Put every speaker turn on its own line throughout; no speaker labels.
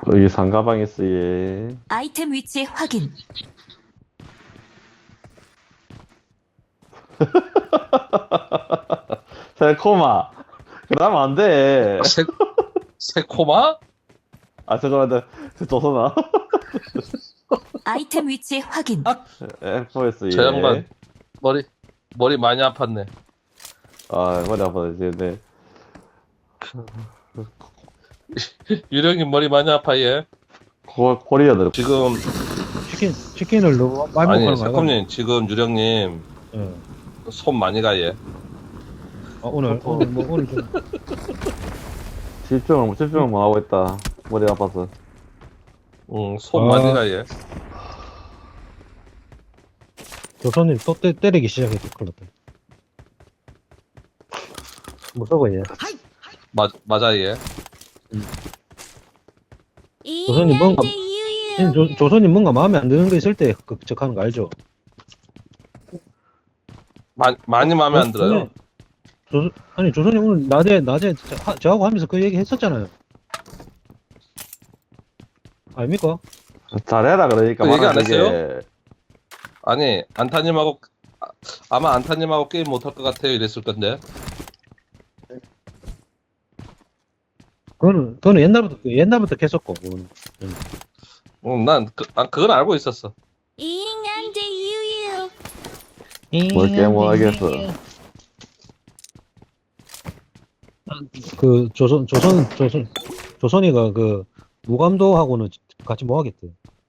여기 상가방 있어, 얘.
아이템 위치 확인.
새콤아. 그러면 안 돼.
새코마?
아, 잠깐만, 조선아.
아이템 위치 확인.
F4S, 얘.
저 양반 머리 많이 아팠네.
아, 머리 아파서 지금,
유령님 머리 많이 아파 얘.
코리아들.
지금
치킨을 너무 많이
아니
먹는 거 아이가?
새콤님 지금 유령님
예.
손 많이 가 얘.
오늘 좀
집중을 못 하고 있다. 머리 아파서.
손 많이 가 얘.
조선님 또 때리기 시작했어. 큰일 났다. 무서워 얘.
맞아 얘.
조선님 뭔가 조선님 뭔가 마음에 안 드는 거 있을 때 극적하는 거 알죠?
많이 마음에 안 들어요.
아니 조선님 오늘 낮에 저하고 하면서 그 얘기 했었잖아요. 아닙니까?
잘해라, 그러니까.
그 얘기 안
말하는 게.
했어요? 아니 안타님하고 아마 안타님하고 게임 못할 것 같아요 이랬을 건데.
그거는 옛날부터 했었고. 그거는.
난 그건 알고 있었어.
뭘 깨모하겠어.
그 조선이가 그 무감도하고는 같이 뭐 하겠대.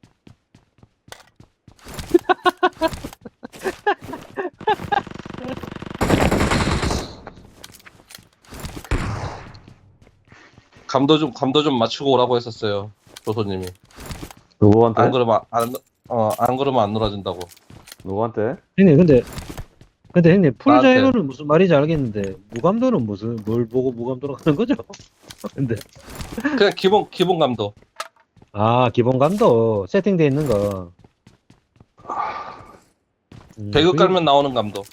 감도 좀 맞추고 오라고 했었어요 조소님이.
누구한테?
안 그러면 안 놀아준다고.
누구한테?
형님 근데 형님
나한테.
풀자이로는 무슨 말인지 알겠는데 무감도는 무슨 뭘 보고 무감도로 가는 거죠? 근데
그냥 기본 감도.
아 기본감도 세팅돼 있는 거.
배그 깔면 나오는 감도.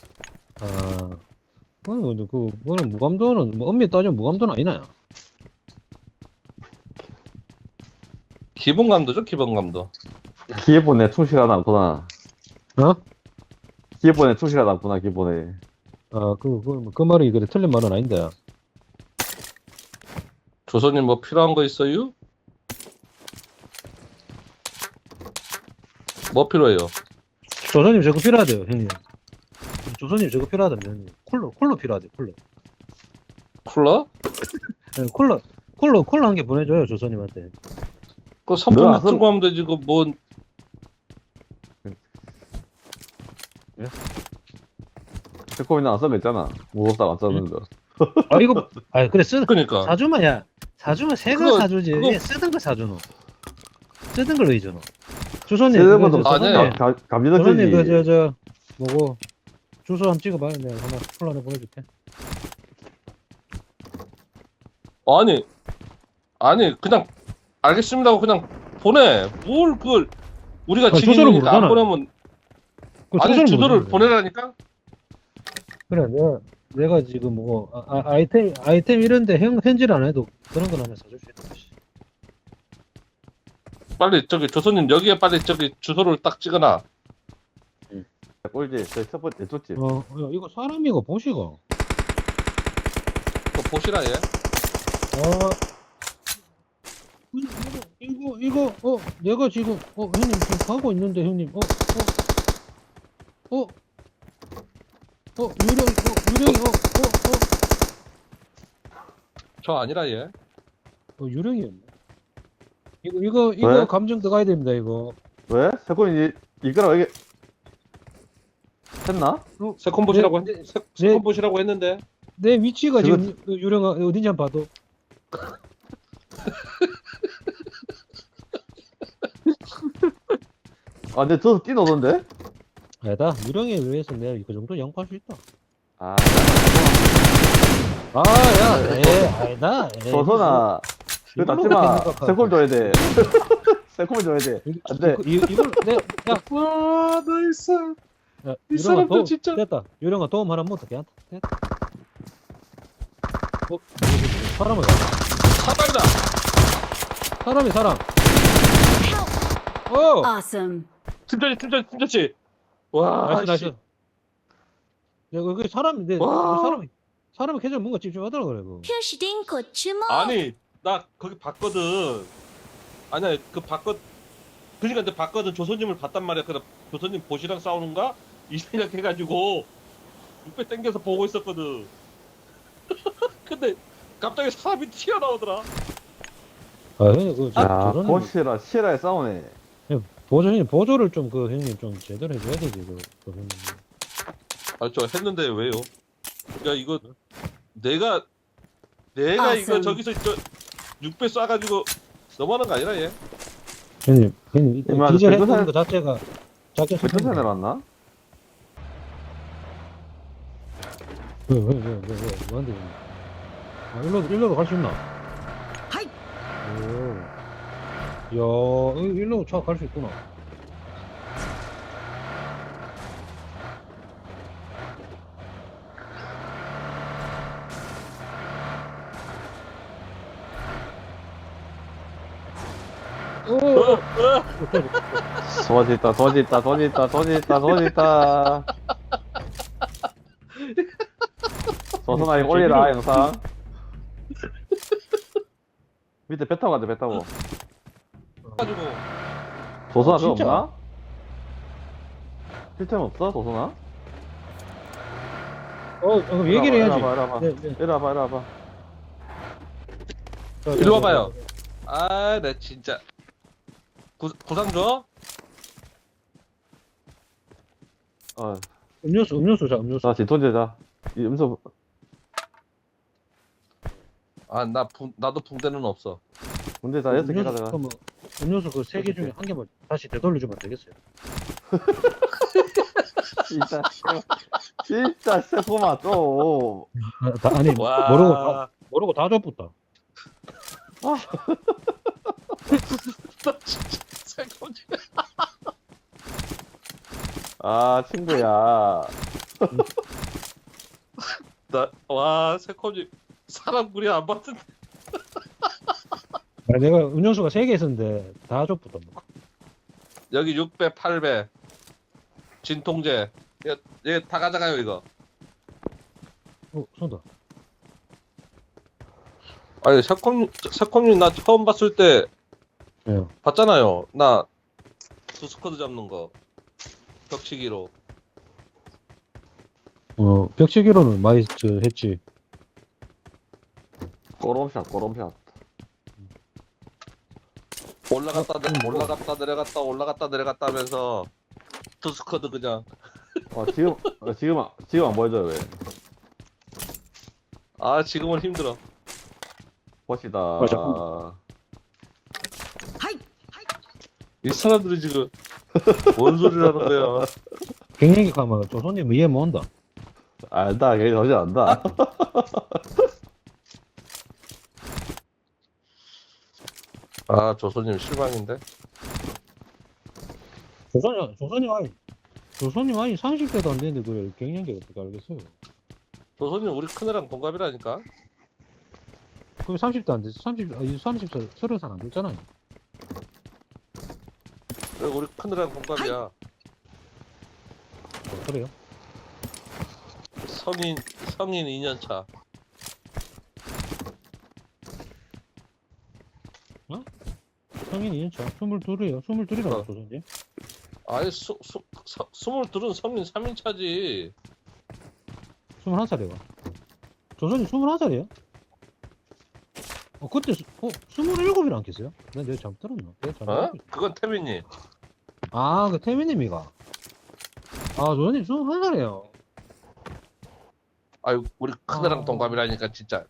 그거는 무감도는 뭐 엄밀히 따지면 무감도는 아니나요?
기본 감도죠 기본 감도.
기본에 충실하지 않구나.
어?
기본에 충실하지 않구나, 기본에.
그 말이 그래 틀린 말은 아닌데.
조선님 뭐 필요한 거 있어요? 뭐 필요해요?
조선님 저거 필요하대요, 형님. 조선님 저거 필요하다며, 형님. 쿨러 필요하대, 쿨러.
쿨러?
네, 쿨러 한 개 보내줘요, 조선님한테.
그 선풍기
너
틀고 하면 되지 그 뭐.
새콤이는 안 써냈잖아. 무겁다고 안 써는 거.
그래,
그러니까
사주면 새 거
그거-
사주지.
그거-
왜 쓰던 거 사주노? 쓰던 걸로 이주노. 조선님,
쓰는 것도
아니에요.
조선님,
감지덕지지.
뭐고, 주소 한번 찍어봐요. 내가 하나 쿨러 하나 보내줄게.
아니 그냥 알겠습니다 하고 그냥 보내. 뭘 그걸 우리가
주소를
지인이니까 안
모르잖아.
보내면. 아니 주소를 보내라니까.
그래, 내가 지금 아이템 이런데 현질 안 해도 그런 건 하나 사줄 수 있다.
빨리 저기 조선님 여기에 빨리 저기 주소를 딱 찍어놔.
꼴지, 첫 번째 줬지.
야, 이거 사람이고 보시고.
그거 보시라 얘.
내가 지금, 형님 지금 가고 있는데, 형님, 유령이,
저 아니라 얘.
유령이었네. 이거
왜?
감정 들어가야 됩니다, 이거.
왜? 새콤이 이거랑 이게 했나?
세컨 보시라고
네,
세컨 보시라고 했는데.
내 위치가
저거-
지금 유령아 어딘지 한번 봐도.
아, 근데 저도 뛰노던데?
아니다, 유령에 의해서 내가 그 정도 양보할 수 있다.
아,
아니다.
조선아. 그거 닦지 마. 새콤 줘야 돼. 새콤 줘야 돼. 안 돼.
이걸 야,
와 나이스.
야,
이
유령아
사람들
도움,
진짜.
됐다. 유령아 도움 하나 못 하게 됐다. 사람을
사발이다.
사람. 어!
Awesome.
팀전치. 와,
나이스.
씨.
야, 그 사람인데,
와.
사람이 계속 뭔가 찝찝하더라, 그래, 그.
표시 딩코 주목.
아니, 나 거기 봤거든. 아니야, 그러니까 근데 봤거든. 조선님을 봤단 말이야. 그래, 조선님 보시랑 싸우는가? 이 생각해가지고 6배 땡겨서 보고 있었거든. 근데 갑자기 사람이 튀어나오더라.
아, 형님, 그,
야,
저는
보시라, 시라에 싸우네.
보조를 좀, 그, 형님 좀 제대로 해줘야 되지, 그 형님.
아, 저 했는데 왜요? 야, 이거 내가 이거
Awesome.
저기서 6배 쏴가지고 넘어가는 거 아니라 얘?
형님,
이마,
디젤
백두산-
했던 거 자체가, 작게
왜 천천히 내려왔나?
왜, 뭐한데, 형님? 아, 일로도 갈 수 있나?
하이!
오. 야, 일로 차 갈 수 있구나. 오!
도지 있다. 조선아, 이거 올리라, 영상. 밑에 배 타고 가자, 배 타고.
가지고
조선아, 그거
진짜?
없나? 필템 없어, 조선아?
그럼 얘기를 해야지.
이리 와봐.
네.
이리 와봐.
일로 와봐요. 아, 나 진짜 구상 줘?
음료수 자, 음료수.
자, 진통제자. 이 음소,
아, 나도 붕대는 없어.
문제 자, 6개
음료수,
가져가.
그러면 음료수 그 3개 중에 한 개만 다시 되돌려주면 되겠어요.
진짜, 새콤아, 또.
아니,
와.
모르고 다 줬붙다.
나 진짜 새콤지.
아, 친구야.
와, 새콤지 사람 구리 안 봤는데.
내가 음료수가 3개 있었는데 다 줬붙다.
여기 6배, 8배. 진통제. 얘 다 가져가요, 이거.
쏜다.
아니, 새콤님 나 처음 봤을 때
예.
봤잖아요. 나 두스쿼드 잡는 거. 벽치기로.
벽치기로는 많이 했지.
꼬롬샷.
올라갔다 내려갔다 하면서 두스쿼드 그냥.
지금 안 보여줘요, 왜?
아, 지금은 힘들어.
보시다.
맞아.
이 사람들이 지금 뭔 소리라는 거야.
갱년기 가면 조선님 이해 못한다.
안다, 걔 도저히 안다.
아, 조선님 실망인데?
조선님 아니 30대도 안 되는데 그래 갱년기 어떻게 알겠어요?
조선님 우리 큰애랑 동갑이라니까?
그럼 30대 안 됐어. 30살 30살 안 됐잖아요.
왜 우리 큰애랑 동갑이야?
그래요?
성인 2년 차.
성인 2년차 22이에요. 22이라고
어.
조선님.
아니, 22은 성인 3인 차지.
21살이에요. 조선님 21살이에요? 그때 27이라 안 겠어요? 내가 잘못 들었나? 내가 잘못
어?
알고 있-
그건 태민님.
그 태민님이가. 조선님 21살이에요.
아유, 우리 큰애랑
아.
동갑이라니까, 진짜.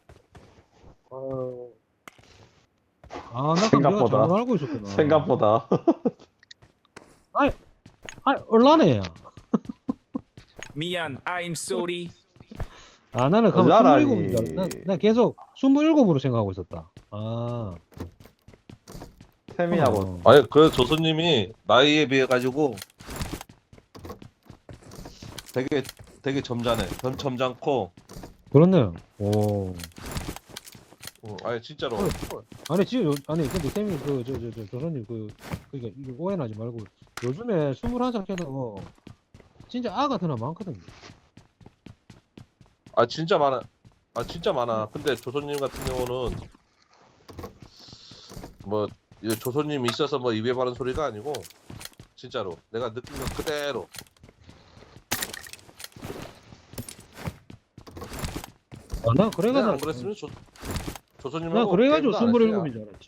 나 그럼 내가
생각보다.
잘못 알고 있었구나.
생각보다.
얼라네.
미안, I'm sorry.
나는 그럼
여자라니.
27이니까 나 계속 27으로 생각하고 있었다.
태미하고.
아니, 그 조선님이 나이에 비해가지고 되게 점잖고,
그렇네요. 오.
아니 진짜로.
아니 지금 아니 근데 쌤이 저 조선님 그러니까 이거 오해하지 말고 요즘에 21살 해도 진짜 아 같은 애 많거든요.
아 진짜 많아. 아 진짜 많아. 근데 조선님 같은 경우는 뭐 이거 조선님 있어서 뭐 입에 바른 소리가 아니고 진짜로 내가 느낀 거 그대로.
나 그래가
내가
나
안 그랬으면 조선님하고
나 그래가지고
게임도 안 했어요.
27인 줄 알았지.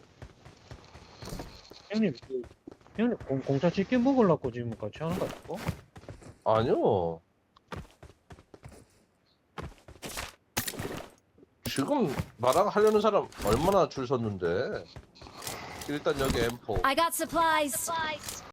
형님 형님 공짜 치킨 먹으려고 지금 같이 하는 거 같고?
아니요. 지금 나랑 하려는 사람 얼마나 줄 섰는데. 일단 여기 M4.
I got supplies.